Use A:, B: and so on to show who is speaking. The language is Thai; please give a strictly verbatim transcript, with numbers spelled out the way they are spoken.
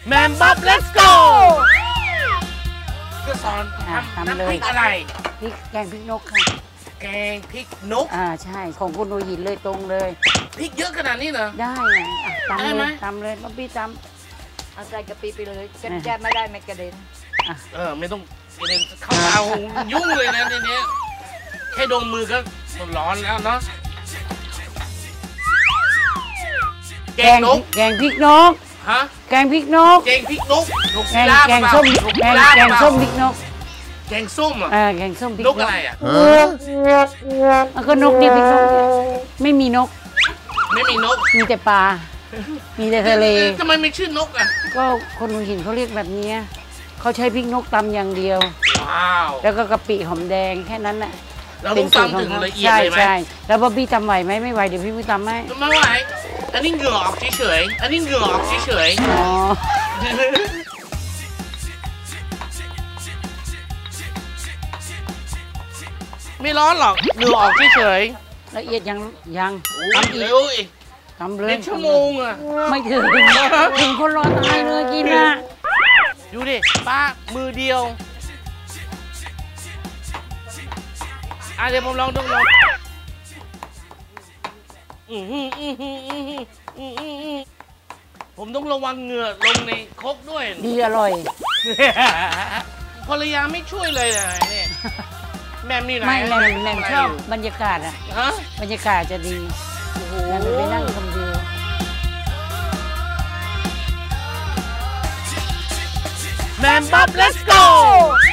A: แมมบ๊อบ let's go จะสอนทำน้ำพริกอะไร
B: พริกแกงพริกนกค่ะ
A: แกงพริกนก
B: อ่าใช่ของคุณหัวหินเลยตรงเลย
A: พริกเยอะขนาดนี้เหรอ
B: ได้ไงตำเลยตำเลยบ๊อบบี้ตำ
C: เอาใส่กะปิไปเลยกันแก้ไม่ได้ไม่กระเด็น
A: เออไม่ต้องกระเด็นเข้าเตายุ่งเลยนะทีนี้แค่ดมมือก็ร้อนแล้วเนาะแกงนก
B: แกงพริกนก
A: ฮะ
B: แกงพริกนก
A: แกงพริกนก
B: แกงแกงส้มแกงแกงส้มพริกนก
A: แกงส้มอ่ะ
B: เออแกงส้มพริก
A: นกอะไรอ่ะ
B: แล้วก็นกเนี่ยพริกนกไม่มีนก
A: ไม่มีนก
B: มีแต่ปลามีแต่ทะเล
A: ทำไมไม่ชื่อนกอ่ะ
B: ก็คนหัวหินเขาเรียกแบบนี้เขาใช้พริกนกตำอย่างเดียว
A: ว้าว
B: แล้วก็กะปิหอมแดงแค่นั้นแหละ
A: เราต้องตำถึงละเอียดเลยไหม
B: ใช่แล้วบ๊อบบี้ตำไหวไหมไม่ไหวเดี๋ยวพี่พี่ตำให้
A: ไม่ไหวอันนี้เหงื่อออกเฉยๆอันนี้เหงื่อออกเฉยๆอ๋อไม่ร้อนหรอกเหงื่อออกเฉย
B: ๆละเอียดยังยัง
A: ทำเร็วอีก
B: ทำเลย
A: เป็นชั่วโมงอ่ะ
B: ไม่ถึงถึงคนรอตายเลยกินนะ
A: ดูดิป้ามือเดียวอ่ะเดี๋ยวผมลองดูลองผมต้องระวังเหงื่อลงในครกด้วย
B: ดีอร่อย
A: ภรรยาไม่ช่วยเลยนะเนี่ยแม่นี่ไหน
B: ไม่แม่แม่ชอบบรรยากาศอ่ะบรรยากาศจะดีแม่ไปนั่งคนเดียว
A: แมมบ๊อบ let's go